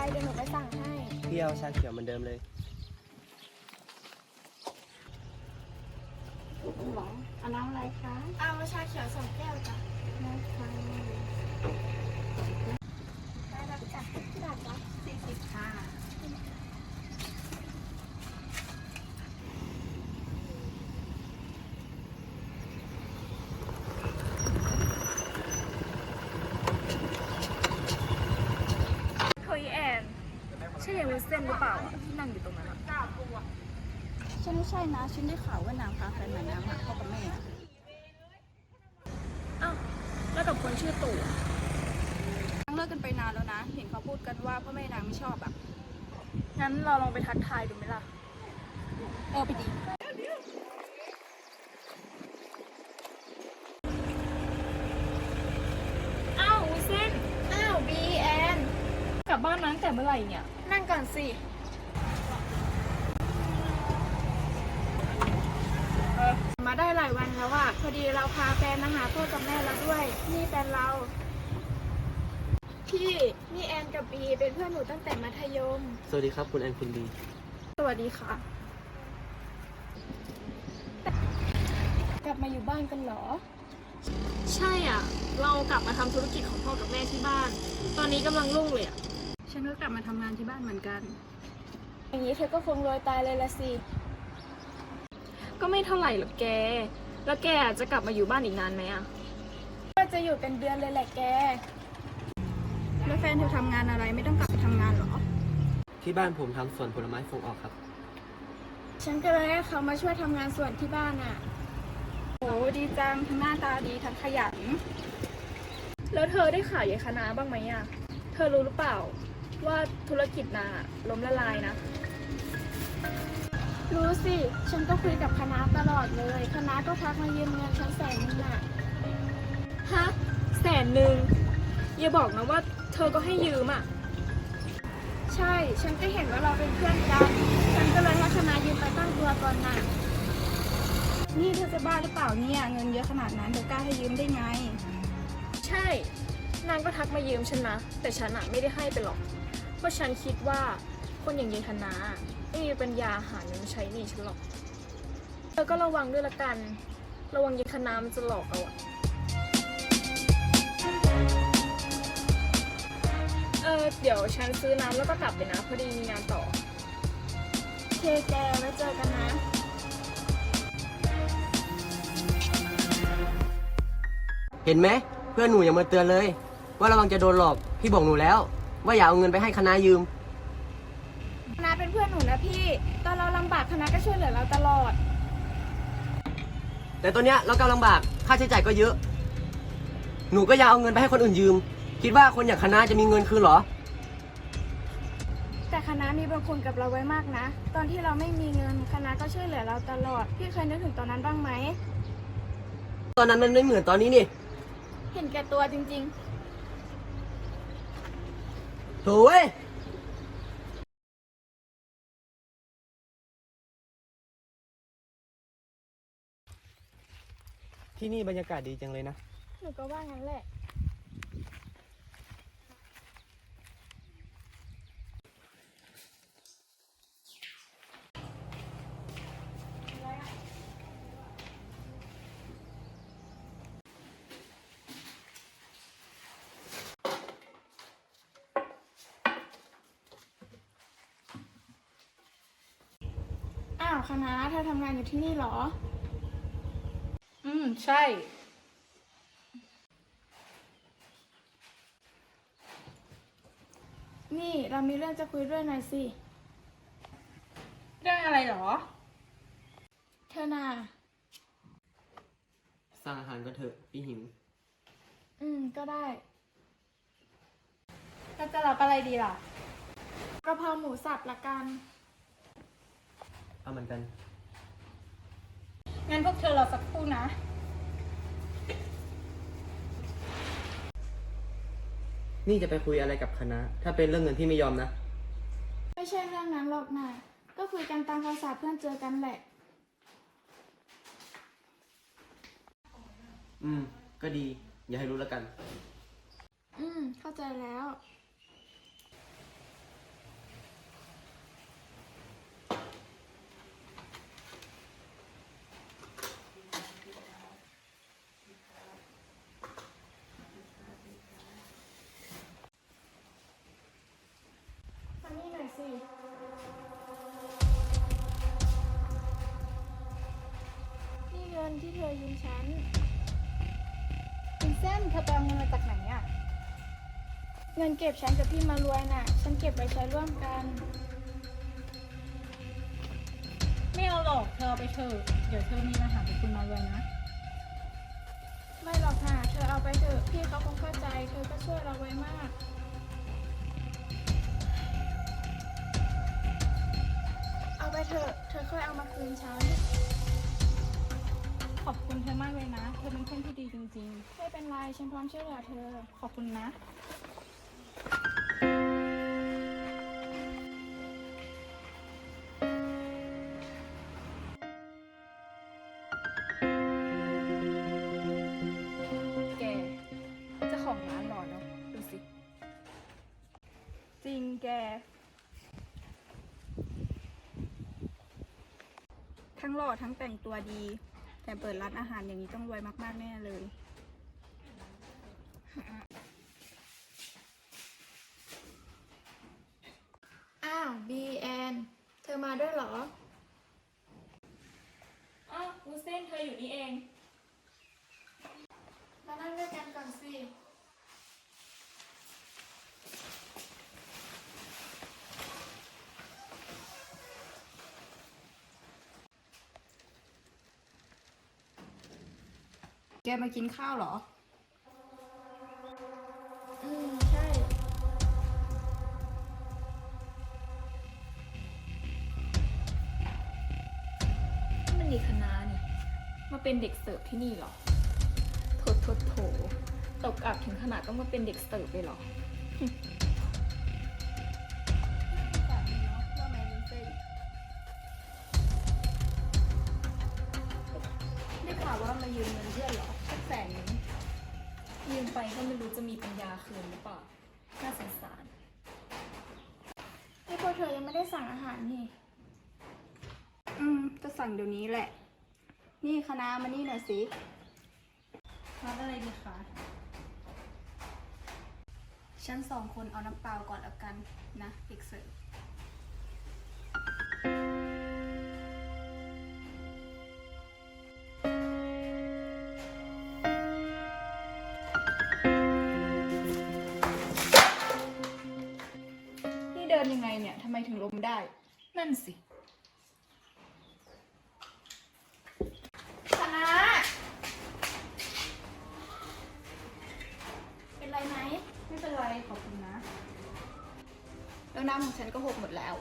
เดี๋ยวหนูไปสั่งให้พี่เอาชาเขียวเหมือนเดิมเลยหวังเอาน้ำอะไรคะเอาชาเขียว2 แก้วจ้ะนะคะได้รับจ้ะที่บาทจ้ะ40ค่ะเฮ้ยแอนใช่ยายวุ้นเส้นหรือเปล่าอะที่นั่งอยู่ตรงนั้นอะฉันไม่ใช่นะฉันได้ข่าวว่านางพาแฟนมาน้ำพ่อกับแม่อ้าวแล้วกับคนชื่อตู่อะนางเลิกกันไปนานแล้วนะเห็นเขาพูดกันว่าพ่อแม่นางไม่ชอบอ่ะงั้นเราลองไปทักทายดูไหมล่ะไปดีอ้าววุ้นเส้นอ้าวบีแอนกลับบ้านมาตั้งแต่เมื่อไหร่เนี่ยนั่งก่อนสิมาได้หลายวันแล้วอะพอดีเราพาแฟนมาหาพ่อกับแม่เราด้วยนี่แฟนเราพี่นี่แอนกับบีเป็นเพื่อนหนูตั้งแต่มัธยมสวัสดีครับคุณแอนคุณบีสวัสดีค่ะ กลับมาอยู่บ้านกันเหรอใช่อ่ะ เรากลับมาทำธุรกิจของพ่อกับแม่ที่บ้าน ตอนนี้กำลังรุ่งเลยอ่ะฉันก็กลับมาทำงานที่บ้านเหมือนกัน อย่างนี้เธอก็คงรวยตายเลยละสิก็ไม่เท่าไหร่หรอกแก แล้วแกจะกลับมาอยู่บ้านอีกนานไหมอ่ะก็จะอยู่เป็นเดือนเลยแหละแก แล้วแฟนเธอทำงานอะไรไม่ต้องกลับไปทำงานเหรอที่บ้านผมทำสวนผลไม้ส่งออกครับฉันก็เลยให้เขามาช่วยทำงานสวนที่บ้านอ่ะโอ้ดีจังทั้งหน้าตาดีทั้งขยันแล้วเธอได้ข่าวยายคณะบ้างไหมอ่ะ เธอรู้หรือเปล่าว่าธุรกิจนางอะล้มละลายนะรู้สิ ฉันก็คุยกับคณะตลอดเลย คณะก็ทักมายืมเงินฉัน100,000น่ะฮะ100,000อย่าบอกนะว่าเธอก็ให้ยืมอ่ะใช่ ฉันก็เห็นว่าเราเป็นเพื่อนกัน ฉันก็เลยให้คณะยืมไปตั้งตัวก่อนน่ะ นี่เธอจะบ้าหรือเปล่าเนี่ย เงินเยอะขนาดนั้นเธอกล้าให้ยืมได้ไงใช่ นางก็ทักมายืมฉันนะ แต่ฉันอะไม่ได้ให้ไปหรอก เพราะฉันคิดว่าคนอย่างยายคณะไม่มีปัญญาหาเงินมาใช้หนี้ฉันหรอก เธอก็ระวังด้วยละกัน ระวังยายคณะมันจะหลอกเอาอะเดี๋ยวฉันซื้อน้ำแล้วก็กลับเลยนะ พอดีมีงานต่อเคแกไว้เจอกันนะเห็นไหมเพื่อนหนูยังมาเตือนเลย ว่าระวังจะโดนหลอก พี่บอกหนูแล้ว ว่าอย่าเอาเงินไปให้คณะยืมคณะเป็นเพื่อนหนูนะพี่ ตอนเราลำบากคณะก็ช่วยเหลือเราตลอดแต่ตอนเนี้ยเรากำลังลำบากค่าใช้จ่ายก็เยอะ หนูก็อย่าเอาเงินไปให้คนอื่นยืม คิดว่าคนอย่างคณะจะมีเงินคืนเหรอแต่คณะมีบุญคุณกับเราไว้มากนะ ตอนที่เราไม่มีเงินคณะก็ช่วยเหลือเราตลอด พี่เคยนึกถึงตอนนั้นบ้างไหมตอนนั้นมันไม่เหมือนตอนนี้นี่เห็นแก่ตัวจริงๆโถ่เว้ยที่นี่บรรยากาศดีจังเลยนะหนูก็ว่างั้นแหละ อ้าวคณะเธอทำงานอยู่ที่นี่เหรอใช่นี่เรามีเรื่องจะคุยด้วยหน่อยสิเรื่องอะไรหรอเธอน่ะสั่งอาหารก็เถอะพี่หิวก็ได้เราจะรับอะไรดีล่ะกะเพราหมูสับละกันเอาเหมือนกันงั้นพวกเธอรอสักครู่นะนี่จะไปคุยอะไรกับคณะ ถ้าเป็นเรื่องเงินพี่ไม่ยอมนะไม่ใช่เรื่องนั้นหรอกนะก็คุยกันตามภาษาเพื่อนเจอกันแหละก็ดี อย่าให้รู้แล้วกันเข้าใจแล้วฉันคุณเส้นเธอไปเอาเงินมาจากไหนอะเงินเก็บฉันกับพี่มารวยน่ะ ฉันเก็บไว้ใช้ร่วมกันไม่เอาหรอกเธอเอาไปเถอะเดี๋ยวเธอมีปัญหากับคุณมารวยนะไม่หรอกค่ะเธอเอาไปเถอะพี่เขาคงเข้าใจเธอก็ช่วยเราไว้มาก เอาไปเถอะเธอค่อยเอามาคืนฉันขอบคุณเธอมากเลยนะ เธอเป็นเพื่อนที่ดีจริงไม่เป็นไรฉันพร้อมช่วยเหลือเธอๆ ขอบคุณนะแกเจ้าของร้านหล่อเนาะดูสิจริงแก ทั้งหล่อทั้งแต่งตัวดี แต่เปิดร้านอาหารอย่างนี้ต้องรวยมากๆแน่เลย อ้าวบีแอนเธอมาด้วยเหรออ้าววุ้นเส้นเธออยู่นี่เองมานั่งด้วยกันก่อนสิ แกมากินข้าวเหรอ ใช่มันดีคณะนี่ มาเป็นเด็กเสิร์ฟที่นี่เหรอ โถตกอับถึงขนาดต้องมาเป็นเด็กเสิร์ฟเลยเหรอได้ข่าวว่ามายืมเงินเพื่อนเหรอสักแสนนึงยืมไปก็ไม่รู้จะมีปัญญาคืนหรือเปล่า น่าสงสารนี่พวกเธอยังไม่ได้สั่งอาหารนี่ จะสั่งเดี๋ยวนี้แหละ นี่คณะมานี่หน่อยสิรับอะไรดีคะฉัน2 คนเอาน้ำเปล่าก่อนแล้วกันนะเด็กเสิร์ฟ นี่เดินยังไงเนี่ย ทำไมถึงล้มได้นั่นสิคณะเป็นไรไหมไม่เป็นไร ขอบคุณนะแล้วน้ำของฉันก็หกหมดแล้ว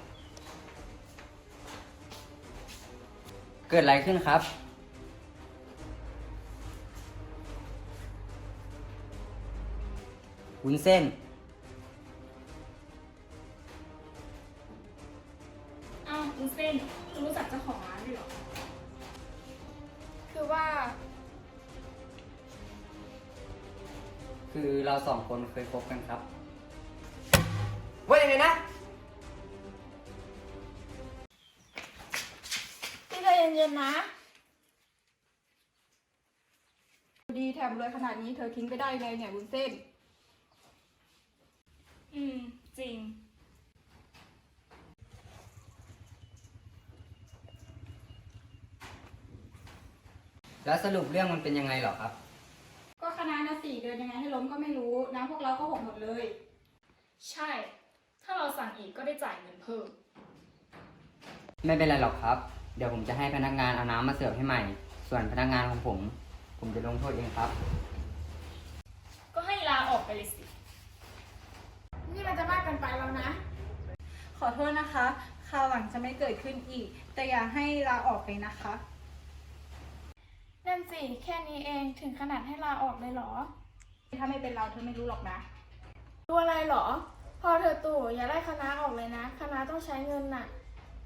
เกิดอะไรขึ้นครับ วุ้นเส้นอ้าววุ้นเส้นคุณรู้จักเจ้าของร้านด้วยเหรอคือว่าคือเราสองคนเคยคบกันครับ ว่ายังไงนะพี่ใจเย็นๆนะ ดีแถมรวยขนาดนี้เธอทิ้งไปได้ไงเนี่ยวุ้นเส้นจริงแล้วสรุปเรื่องมันเป็นยังไงเหรอครับก็คณะนะ4 เดือนยังไงให้ล้มก็ไม่รู้น้ำพวกเราก็หกหมดเลยใช่ ถ้าเราสั่งอีกก็ได้จ่ายเงินเพิ่มไม่เป็นไรหรอกครับ เดี๋ยวผมจะให้พนักงานเอาน้ำมาเสิร์ฟให้ใหม่ ส่วนพนักงานของผมจะลงโทษเองครับก็ให้ลาออกไปเลยสินี่มันจะมากเกินไปแล้วนะขอโทษนะคะ คราวหลังจะไม่เกิดขึ้นอีก แต่อย่าให้ลาออกเลยนะคะนั่นสิ แค่นี้เองถึงขนาดให้ลาออกเลยเหรอถ้าไม่เป็นเราเธอไม่รู้หรอกนะรู้อะไรเหรอ พอเธอตู่อย่าไล่คณะออกเลยนะ คณะต้องใช้เงินน่ะ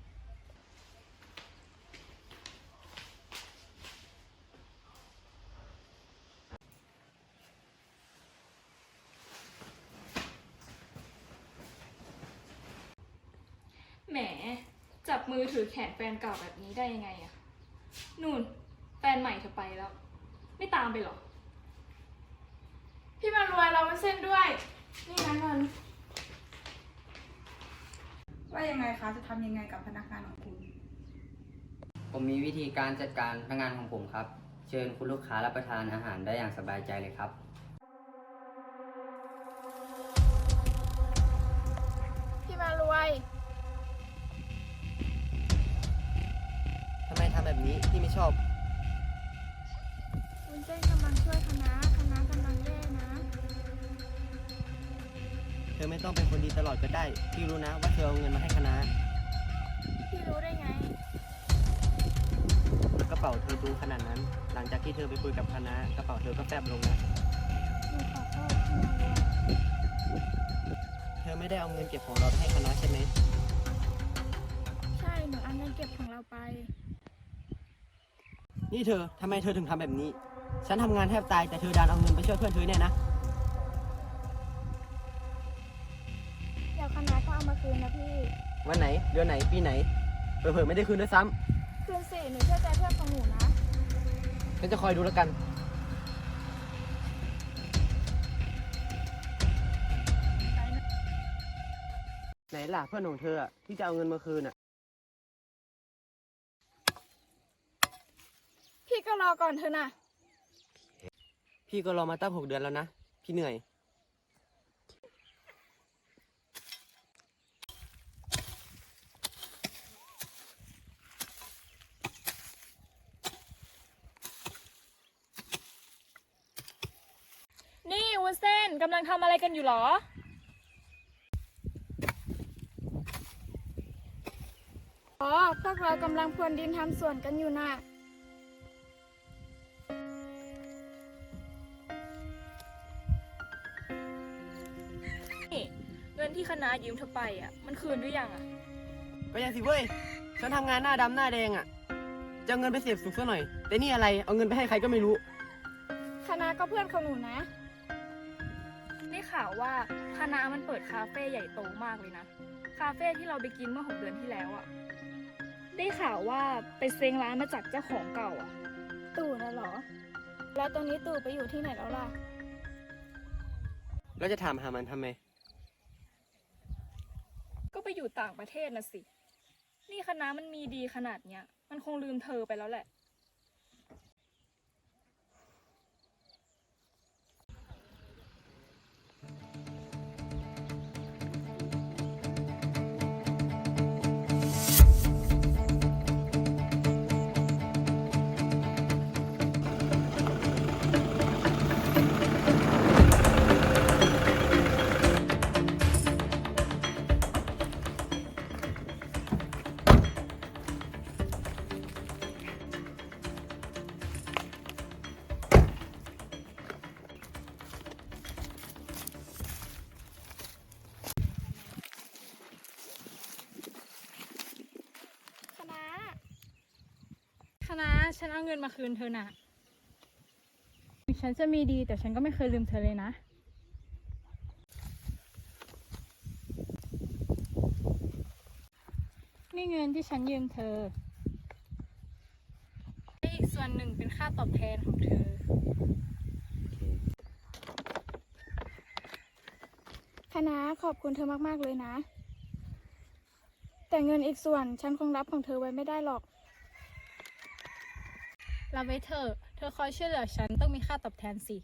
แหม จับมือถือแขนแฟนเก่าแบบนี้ได้ยังไงอะนู่น แฟนใหม่เธอไปแล้ว ไม่ตามไปหรอพี่มารวยเราไม่เส้นด้วย นี่นะเงิน ว่ายังไงคะ จะทำยังไงกับพนักงานของคุณผมมีวิธีการจัดการพนักงานของผมครับเชิญคุณลูกค้ารับประทานอาหารได้อย่างสบายใจเลยครับพี่มารวยทำไมทำแบบนี้พี่ไม่ชอบวุ้นเส้นกำลังช่วยคณะกำลังแย่นะเธอไม่ต้องเป็นคนดีตลอดก็ได้ พี่รู้นะว่าเธอเอาเงินมาให้คณะพี่รู้ได้ไงกระเป๋าเธอดูขนาดนั้น หลังจากที่เธอไปคุยกับคณะกระเป๋าเธอก็แฟบลงนะหนูขอโทษพี่มารวยเธอไม่ได้เอาเงินเก็บของเราไปให้คณะใช่ไหมใช่ หนูเอาเงินเก็บของเราไปนี่เธอทำไมเธอถึงทำแบบนี้ ฉันทำงานแทบตายแต่เธอดันเอาเงินไปช่วยเพื่อนเธอเนี่ยนะเดี๋ยวคณะก็เอามาคืนนะพี่วันไหน เดือนไหน ปีไหน เผลอๆไม่ได้คืนด้วยซ้คืนสิหนูเชื่อใจเพื่อนของหนูนะำฉันจะคอยดูแล้วกัน ไหนล่ะเพื่อนของเธออะที่จะเอาเงินมาคืนอ่ะพี่ก็รอก่อนเถอะนะพี่ก็รอมาตั้ง6 เดือนแล้วนะ พี่เหนื่อยนี่วุ้นเส้นกำลังทำอะไรกันอยู่หรออ๋อ พวกเรากำลังพรวนดินทำสวนกันอยู่น่ะนี่เงินที่คณะยืมเธอไปอ่ะ มันคืนหรือยังอ่ะก็ยังสิเว้ย ฉันทำงานหน้าดำหน้าแดงอ่ะ จะเอาเงินไปเสพสุขซะหน่อย แต่นี่อะไร เอาเงินไปให้ใครก็ไม่รู้คณะก็เพื่อนของหนูนะได้ข่าวว่าคณะมันเปิดคาเฟ่ใหญ่โตมากเลยนะ คาเฟ่ที่เราไปกินเมื่อ6 เดือนที่แล้วอ่ะ ได้ข่าวว่าไปเซ้งร้านมาจากเจ้าของเก่าอ่ะตู่น่ะเหรอ แล้วตอนนี้ตู่ไปอยู่ที่ไหนแล้วล่ะแล้วจะถามหามันทำไมก็ไปอยู่ต่างประเทศนะสิ นี่คณะมันมีดีขนาดเนี้ย มันคงลืมเธอไปแล้วแหละคณะคณะฉันเอาเงินมาคืนเธอน่ะ ฉันจะมีดีแต่ฉันก็ไม่เคยลืมเธอเลยนะ นี่เงินที่ฉันยืมเธออีกส่วนหนึ่งเป็นค่าตอบแทนของเธอคณะขอบคุณเธอมากๆเลยนะ แต่เงินอีกส่วนฉันคงรับของเธอไว้ไม่ได้หรอกรับไว้เถอะ เธอคอยช่วยเหลือฉันต้องมีค่าตอบแทนสิ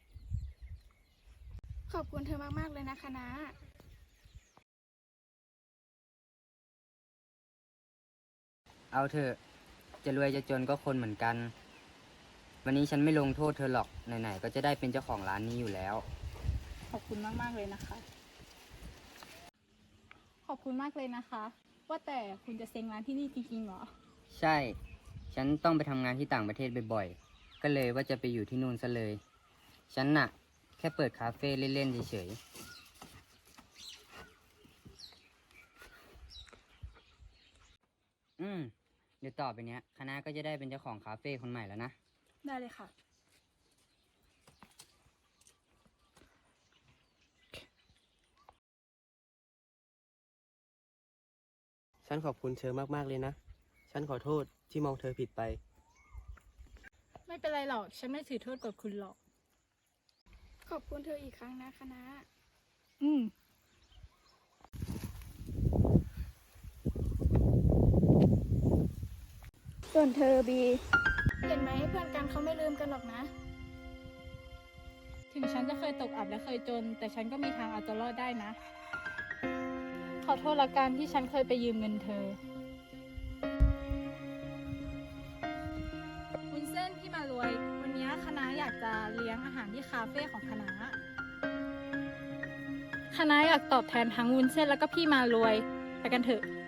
ขอบคุณเธอมากๆเลยนะคณะเอาเถอะจะรวยจะจนก็คนเหมือนกัน วันนี้ฉันไม่ลงโทษเธอหรอก ไหนๆก็จะได้เป็นเจ้าของร้านนี้อยู่แล้วขอบคุณมากๆเลยนะคะ ขอบคุณมากเลยนะคะ ว่าแต่คุณจะเซ็งร้านที่นี่จริงๆเหรอใช่ ฉันต้องไปทำงานที่ต่างประเทศบ่อยๆ ก็เลยว่าจะไปอยู่ที่นู่นซะเลย ฉันน่ะ แค่เปิดคาเฟ่เล่นๆเฉยๆเดี๋ยวต่อไปเนี้ยคณะก็จะได้เป็นเจ้าของคาเฟ่คนใหม่แล้วนะได้เลยค่ะฉันขอบคุณเธอมากๆเลยนะ ฉันขอโทษที่มองเธอผิดไปไม่เป็นไรหรอก ฉันไม่ถือโทษกับคุณหรอกขอบคุณเธออีกครั้งนะคณะอืมส่วนเธอบี เห็นไหมเพื่อนกันเขาไม่ลืมกันหรอกนะถึงฉันจะเคยตกอับและเคยจน แต่ฉันก็มีทางเอาตัวรอดได้นะ ขอโทษละกันที่ฉันเคยไปยืมเงินเธอ วุ้นเส้นพี่มารวย วันนี้คณะอยากจะเลี้ยงอาหารที่คาเฟ่ของคณะ คณะอยากตอบแทนทั้งวุ้นเส้นแล้วก็พี่มารวย ไปกันเถอะ